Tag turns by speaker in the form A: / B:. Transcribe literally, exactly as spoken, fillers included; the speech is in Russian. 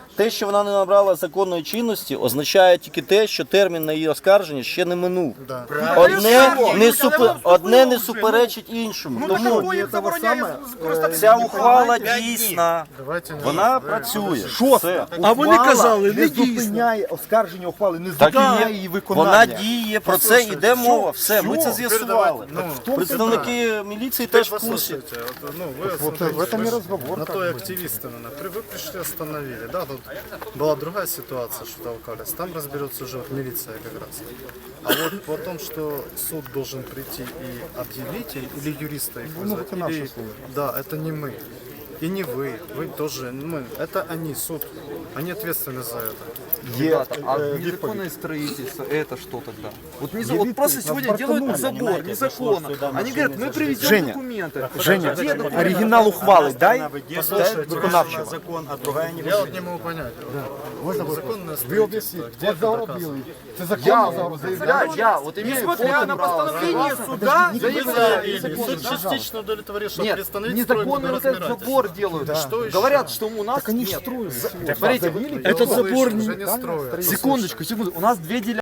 A: Те, що вона не набрала законної чинності, означає тільки те, що термін на її оскарження ще не минув. Одне не, супер... Одне не суперечить іншому. Тому ця ухвала дійсна, вона працює. Все.
B: А вони казали, не
C: не
B: дійсно.
C: зупиняє оскарження ухвали, не
A: Так і
C: зупиняє
A: є.
C: її виконання.
A: Вона діє, про це йде мова. Все, ми це з'ясували. Представники міліції теж в курсі.
D: Слушайте, вот, ну, вы
C: Вот
D: смотрите,
C: в этом и
D: вы
C: разговор,
D: на
C: как
D: то и
C: бы.
D: активисты, наверное, вы пришли, остановили, да, тут была другая ситуация, что толкались, там разберется уже вот милиция как раз. А вот по том, что суд должен прийти и объявить, или юриста их
C: Ну,
D: вызвать,
C: это наша
D: или-
C: служба.
D: да, это не мы. И не вы, вы тоже, мы, это они, суд, они ответственны за это.
C: Є
E: Ребята, а
C: е, відповідь.
E: незаконное строительство, это что тогда? Вот, не,
C: Є
E: вот просто
C: відповідь,
E: сегодня
C: нас
E: делают
C: партанули.
E: забор незаконно. Они говорят, мы привезем
C: Женя,
E: документы.
C: Женя,
E: Где документы?
C: оригінал ухвали дай
D: Послушайте,
C: виконавчого.
F: закон, а другая не
D: Я вот не могу понять. Вот, законное строительство, где это доказано?
C: Це законно
E: Я, я, вот имею
F: Несмотря на
E: право.
F: постановление суда,
D: Суд частично удовлетворил, что
E: Нет,
D: приостановить стройку до
E: незаконный вот этот
D: разбирательства.
E: забор делают.
D: Что еще?
E: Говорят, что у нас
C: Так они
E: нет.
C: строят.
E: Смотрите,
D: Я
B: Этот
D: слышу,
B: забор
D: уже
B: не-
D: не строят.
E: секундочку, секунду. У нас две делянки.